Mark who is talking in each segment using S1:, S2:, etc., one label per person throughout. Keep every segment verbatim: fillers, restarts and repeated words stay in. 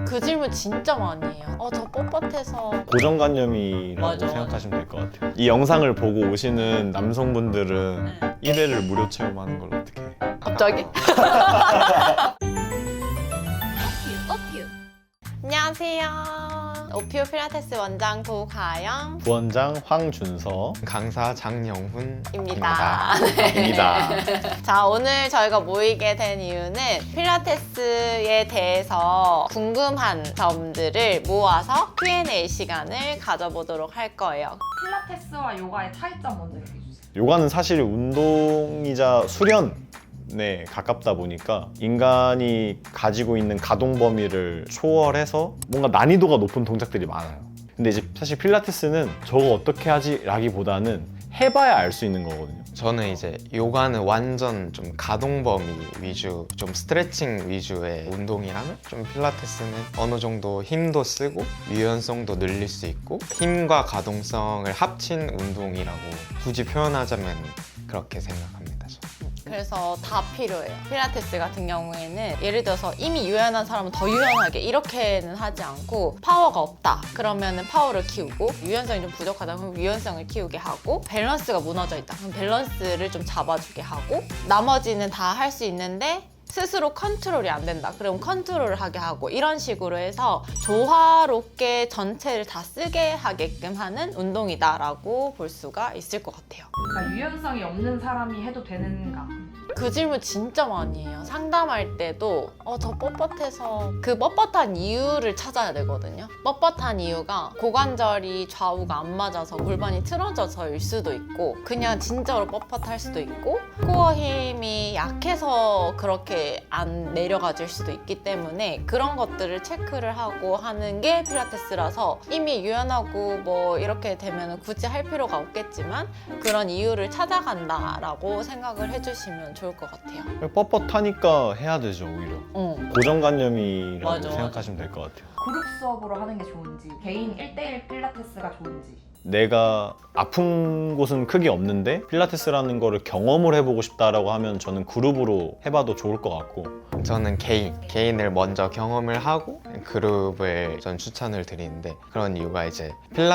S1: 그 질문 진짜 많이 해요. 어, 저 뻣뻣해서.
S2: 고정관념이라고
S1: 맞아,
S2: 생각하시면 될 것 같아요. 이 영상을 보고 오시는 남성분들은
S1: 네.
S2: 일 회를 무료 체험하는 걸 어떻게 해요?
S1: 갑자기? 안녕하세요. 오피오 필라테스 원장 도가영
S2: 부원장 황준서
S3: 강사 장영훈입니다.
S1: 입니다.
S2: 입니다.
S1: 자, 오늘 저희가 모이게 된 이유는 필라테스에 대해서 궁금한 점들을 모아서 큐 앤 에이 시간을 가져보도록 할 거예요.
S4: 필라테스와 요가의 차이점 먼저 얘기해 주세요.
S2: 요가는 사실 운동이자 수련에 가깝다 보니까 인간이 가지고 있는 가동 범위를 초월해서 뭔가 난이도가 높은 동작들이 많아요. 근데 이제 사실 필라테스는 저거 어떻게 하지? 라기보다는 해봐야 알 수 있는 거거든요.
S3: 저는 이제 요가는 완전 좀 가동 범위 위주, 좀 스트레칭 위주의 운동이라면 좀 필라테스는 어느 정도 힘도 쓰고 유연성도 늘릴 수 있고 힘과 가동성을 합친 운동이라고 굳이 표현하자면 그렇게 생각합니다. 저는.
S1: 그래서 다 필요해요. 필라테스 같은 경우에는 예를 들어서 이미 유연한 사람은 더 유연하게 이렇게는 하지 않고 파워가 없다. 그러면은 파워를 키우고 유연성이 좀 부족하다. 그럼 유연성을 키우게 하고 밸런스가 무너져 있다. 그럼 밸런스를 좀 잡아주게 하고 나머지는 다 할 수 있는데 스스로 컨트롤이 안 된다. 그럼 컨트롤을 하게 하고 이런 식으로 해서 조화롭게 전체를 다 쓰게 하게끔 하는 운동이다라고 볼 수가 있을 것 같아요.
S4: 그러니까 유연성이 없는 사람이 해도 되는가?
S1: 그 질문 진짜 많이 해요. 상담할 때도 어, 저 뻣뻣해서 그 뻣뻣한 이유를 찾아야 되거든요. 뻣뻣한 이유가 고관절이 좌우가 안 맞아서 골반이 틀어져서일 수도 있고 그냥 진짜로 뻣뻣할 수도 있고 코어 힘이 약해서 그렇게 안 내려가질 수도 있기 때문에 그런 것들을 체크를 하고 하는 게 필라테스라서 이미 유연하고 뭐 이렇게 되면 굳이 할 필요가 없겠지만 그런 이유를 찾아간다라고 생각을 해주시면 좋을 것 같아요.
S2: 뻣뻣하니까 해야 되죠, 오히려.
S1: 어.
S2: 고정관념이라고
S1: 맞아,
S2: 생각하시면 될 것 같아요.
S4: 그룹 수업으로 하는 게 좋은지, 개인 일 대일 필라테스가 좋은지.
S2: 내가 아픈 곳은 크게 없는데 필라테스라는 거를 경험을 해보고 싶다라고 하면 저는 그룹으로 해봐도 좋을 것 같고
S3: 저는 개인, 개인을 먼저 경험을 하고 그룹을 전 추천을 드리는데 그런 이유가 이제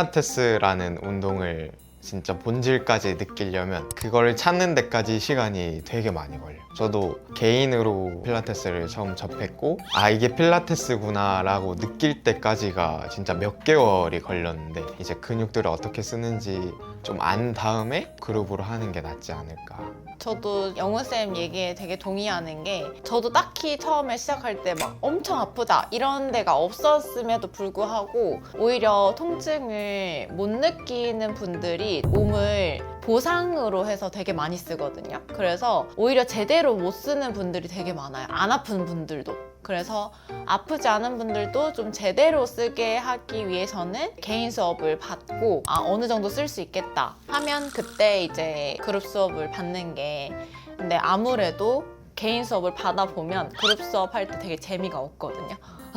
S3: 필라테스라는 운동을 진짜 본질까지 느끼려면 그걸 찾는 데까지 시간이 되게 많이 걸려요. 저도 개인으로 필라테스를 처음 접했고 아 이게 필라테스구나 라고 느낄 때까지가 진짜 몇 개월이 걸렸는데 이제 근육들을 어떻게 쓰는지 좀 안 다음에 그룹으로 하는 게 낫지 않을까.
S1: 저도 영훈쌤 얘기에 되게 동의하는 게 저도 딱히 처음에 시작할 때 막 엄청 아프다 이런 데가 없었음에도 불구하고 오히려 통증을 못 느끼는 분들이 몸을 보상으로 해서 되게 많이 쓰거든요. 그래서 오히려 제대로 못 쓰는 분들이 되게 많아요. 안 아픈 분들도. 그래서 아프지 않은 분들도 좀 제대로 쓰게 하기 위해서는 개인 수업을 받고 아 어느 정도 쓸 수 있겠다 하면 그때 이제 그룹 수업을 받는 게 근데 아무래도 개인 수업을 받아보면 그룹 수업 할 때 되게 재미가 없거든요.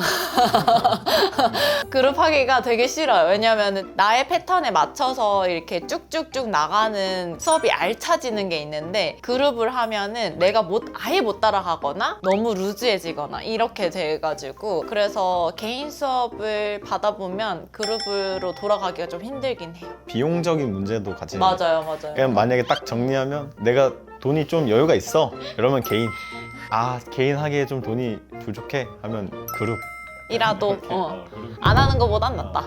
S1: 그룹 하기가 되게 싫어요. 왜냐면 나의 패턴에 맞춰서 이렇게 쭉쭉쭉 나가는 수업이 알차지는 게 있는데 그룹을 하면은 내가 못 아예 못 따라가거나 너무 루즈해지거나 이렇게 돼가지고 그래서 개인 수업을 받아보면 그룹으로 돌아가기가 좀 힘들긴 해요.
S2: 비용적인 문제도 같이
S1: 맞아요, 맞아요.
S2: 그냥 만약에 딱 정리하면 내가 돈이 좀 여유가 있어 그러면 개인 아 개인 하기에 좀 돈이 부족해 하면 그룹
S1: 이라도 어,
S2: 어, 그룹.
S1: 안 하는 것보단 낫다.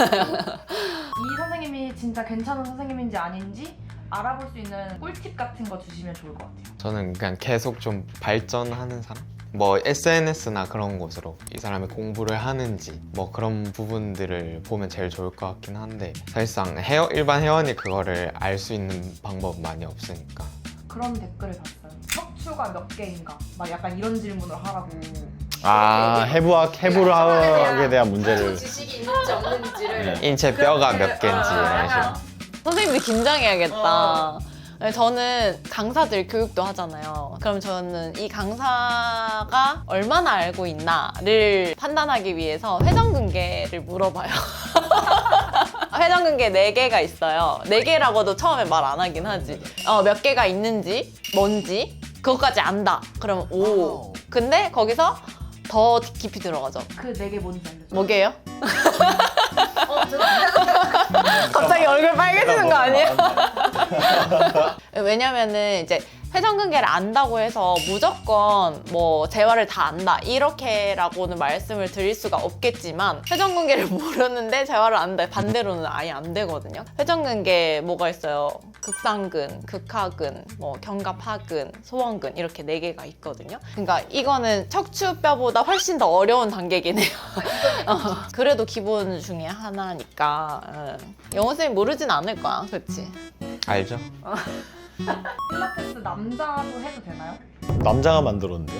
S4: 이 선생님이 진짜 괜찮은 선생님인지 아닌지 알아볼 수 있는 꿀팁 같은 거 주시면 좋을 것 같아요.
S3: 저는 그냥 계속 좀 발전하는 사람? 뭐 에스엔에스나 그런 곳으로 이 사람이 공부를 하는지 뭐 그런 부분들을 보면 제일 좋을 것 같긴 한데 사실상 회원, 일반 회원이 그거를 알 수 있는 방법은 많이 없으니까
S4: 그런 댓글을 봤어요. 척추가 몇 개인가? 막 약간 이런 질문을 하라고.
S2: 아 해부학 해부학에 대한 문제를
S1: 지식이 있는지 없는지를
S3: 인체 뼈가 몇 개인지 이런 식으로.
S1: 선생님들 긴장해야겠다. 네, 저는 강사들 교육도 하잖아요. 그럼 저는 이 강사가 얼마나 알고 있나를 판단하기 위해서 회전근개를 물어봐요. 회전근개 네 개가 있어요. 네 개라고도 처음에 말 안 하긴 하지. 어, 몇 개가 있는지, 뭔지, 그것까지 안다. 그러면 오. 근데 거기서 더 깊이 들어가죠.
S4: 그 네 개 뭔지 알려줘.
S1: 뭐게요?
S4: 어, 죄송합니다.
S1: 갑자기 얼굴 빨개지는 거 아니에요? 왜냐면은 이제 회전근개를 안다고 해서 무조건 뭐 재활을 다 안다 이렇게라고는 말씀을 드릴 수가 없겠지만 회전근개를 모르는데 재활을 안다 반대로는 아예 안 되거든요. 회전근개 뭐가 있어요? 극상근, 극하근, 뭐 견갑하근, 소원근 이렇게 네 개가 있거든요. 그러니까 이거는 척추뼈보다 훨씬 더 어려운 단계긴 해요. 어, 그래도 기본 중에 하나니까 응. 영호 쌤이 모르진 않을 거야, 그렇지?
S3: 알죠?
S4: 필라테스 남자도 해도 되나요?
S2: 남자가 만들었는데요?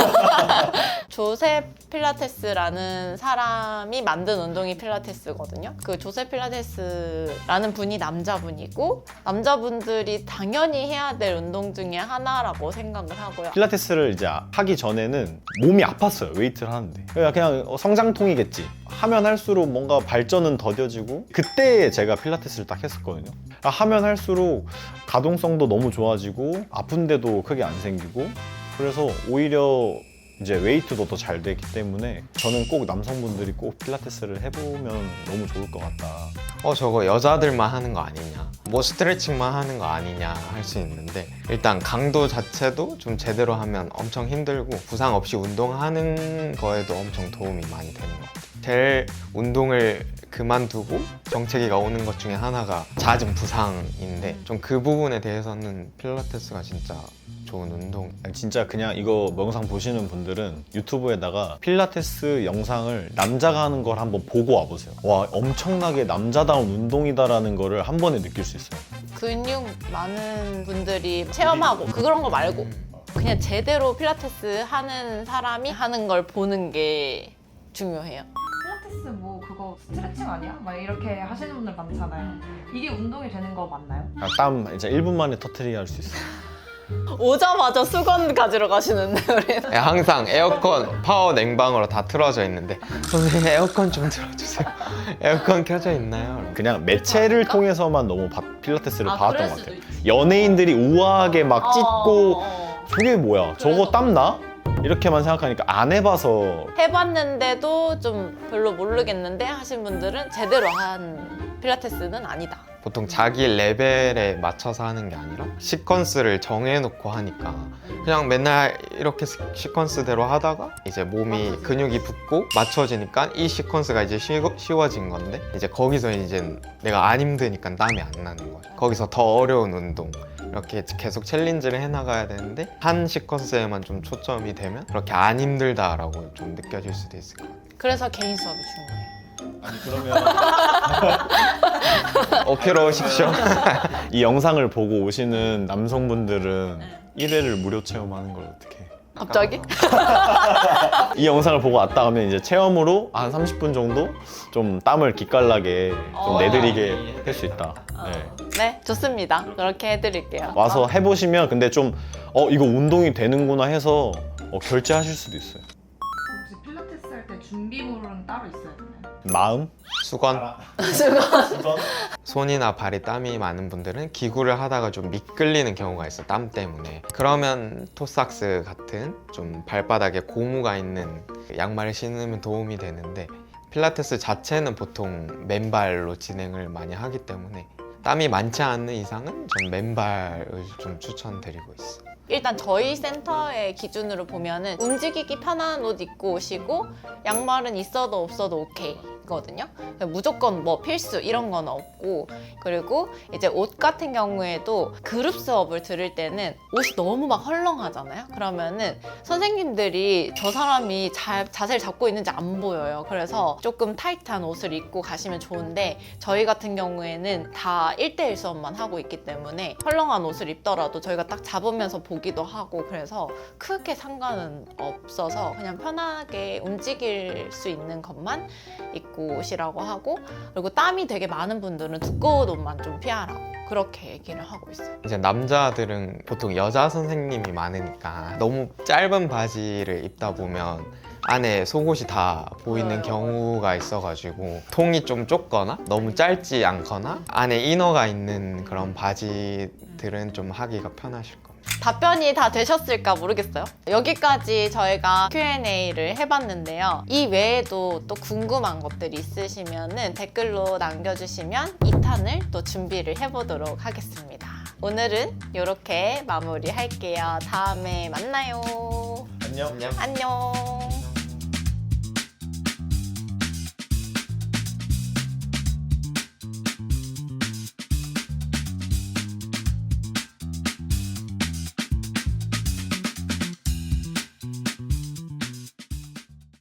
S1: 조셉 필라테스라는 사람이 만든 운동이 필라테스거든요. 그 조셉 필라테스라는 분이 남자분이고 남자분들이 당연히 해야 될 운동 중에 하나라고 생각을 하고요.
S2: 필라테스를 이제 하기 전에는 몸이 아팠어요. 웨이트를 하는데. 그냥, 그냥 성장통이겠지. 하면 할수록 뭔가 발전은 더뎌지고 그때 제가 필라테스를 딱 했었거든요. 하면 할수록 가동성도 너무 좋아지고 아픈데도 크게 안 생기고 그래서 오히려 이제 웨이트도 더 잘 되기 때문에 저는 꼭 남성분들이 꼭 필라테스를 해보면 너무 좋을 것 같다.
S3: 어 저거 여자들만 하는 거 아니냐, 뭐 스트레칭만 하는 거 아니냐 할 수 있는데 일단 강도 자체도 좀 제대로 하면 엄청 힘들고 부상 없이 운동하는 거에도 엄청 도움이 많이 되는 것 같아요. 제일 운동을 그만두고 정체기가 오는 것 중에 하나가 잦은 부상인데 좀 그 부분에 대해서는 필라테스가 진짜 좋은 운동.
S2: 진짜 그냥 이거 영상 보시는 분들은 유튜브에다가 필라테스 영상을 남자가 하는 걸 한번 보고 와보세요. 와, 엄청나게 남자다운 운동이다라는 거를 한 번에 느낄 수 있어요.
S1: 근육 많은 분들이 체험하고 그런 거 말고 그냥 제대로 필라테스 하는 사람이 하는 걸 보는 게 중요해요.
S4: 필라테스 뭐 그거 스트레칭 아니야? 막 이렇게 하시는 분들 많잖아요. 이게 운동이 되는 거 맞나요?
S2: 아, 땀 이제 일 분 만에 터트리게 할 수 있어요.
S1: 오자마자 수건 가지러 가시는데 우리
S3: 네, 항상 에어컨 파워 냉방으로 다 틀어져 있는데 선생님 에어컨 좀 틀어주세요. 에어컨 켜져 있나요?
S2: 그냥 매체를 통해서만 너무 바- 필라테스를
S1: 아,
S2: 봐왔던
S1: 그럴
S2: 것
S1: 수도
S2: 같아요.
S1: 있지.
S2: 연예인들이 우아하게 막 찢고
S1: 어, 어.
S2: 저게 뭐야? 저거
S1: 그래서-
S2: 땀 나? 이렇게만 생각하니까 안 해봐서
S1: 해봤는데도 좀 별로 모르겠는데 하신 분들은 제대로 한 필라테스는 아니다.
S3: 보통 자기 레벨에 맞춰서 하는 게 아니라 시퀀스를 정해놓고 하니까 그냥 맨날 이렇게 시- 시퀀스대로 하다가 이제 몸이 근육이 붙고 맞춰지니까 이 시퀀스가 이제 쉬, 쉬워진 건데 이제 거기서 이제 내가 안 힘드니까 땀이 안 나는 거죠. 거기서 더 어려운 운동 이렇게 계속 챌린지를 해나가야 되는데 한 시퀀스에만 좀 초점이 되면 그렇게 안 힘들다라고 좀 느껴질 수도 있을 것 같아요.
S1: 그래서 개인 수업이 중요해요.
S2: 아니 그러면
S3: 어필러 오십시오.
S2: 이 영상을 보고 오시는 남성분들은 일 회를 무료 체험하는 걸 어떻게 해?
S1: 갑자기?
S2: 이 영상을 보고 왔다 하면 이제 체험으로 한 삼십 분 정도 좀 땀을 기깔나게 좀
S1: 어.
S2: 내드리게 할 수 있다. 네.
S1: 네, 좋습니다. 그렇게 해드릴게요.
S2: 와서 해보시면 근데 좀 어 이거 운동이 되는구나 해서 어, 결제하실 수도 있어요.
S4: 혹시 필라테스 할 때 준비물은 따로 있어야 되나요?
S2: 마음?
S3: 수건.
S2: 수건?
S3: 손이나 발에 땀이 많은 분들은 기구를 하다가 좀 미끌리는 경우가 있어, 땀 때문에. 그러면 토삭스 같은 좀 발바닥에 고무가 있는 양말을 신으면 도움이 되는데 필라테스 자체는 보통 맨발로 진행을 많이 하기 때문에 땀이 많지 않는 이상은 전 맨발을 좀 추천드리고 있어.
S1: 일단 저희 센터의 기준으로 보면은 움직이기 편한 옷 입고 오시고 양말은 있어도 없어도 오케이 거든요. 무조건 뭐 필수 이런 건 없고, 그리고 이제 옷 같은 경우에도 그룹 수업을 들을 때는 옷이 너무 막 헐렁하잖아요. 그러면은 선생님들이 저 사람이 잘 자세를 잡고 있는지 안 보여요. 그래서 조금 타이트한 옷을 입고 가시면 좋은데 저희 같은 경우에는 다 일 대일 수업만 하고 있기 때문에 헐렁한 옷을 입더라도 저희가 딱 잡으면서 보기도 하고 그래서 크게 상관은 없어서 그냥 편하게 움직일 수 있는 것만 입고 오시라고 하고, 그리고 땀이 되게 많은 분들은 두꺼운 옷만 좀 피하라고 그렇게 얘기를 하고 있어요.
S3: 이제 남자들은 보통 여자 선생님이 많으니까 너무 짧은 바지를 입다 보면 안에 속옷이 다 보이는 경우가 있어가지고 통이 좀 좁거나 너무 짧지 않거나 안에 이너가 있는 그런 바지들은 좀 하기가 편하실 겁니다.
S1: 답변이 다 되셨을까 모르겠어요. 여기까지 저희가 큐 앤 에이를 해봤는데요. 이 외에도 또 궁금한 것들이 있으시면 댓글로 남겨주시면 이 탄을 또 준비를 해보도록 하겠습니다. 오늘은 이렇게 마무리할게요. 다음에 만나요.
S2: 안녕.
S3: 안녕.
S1: 안녕.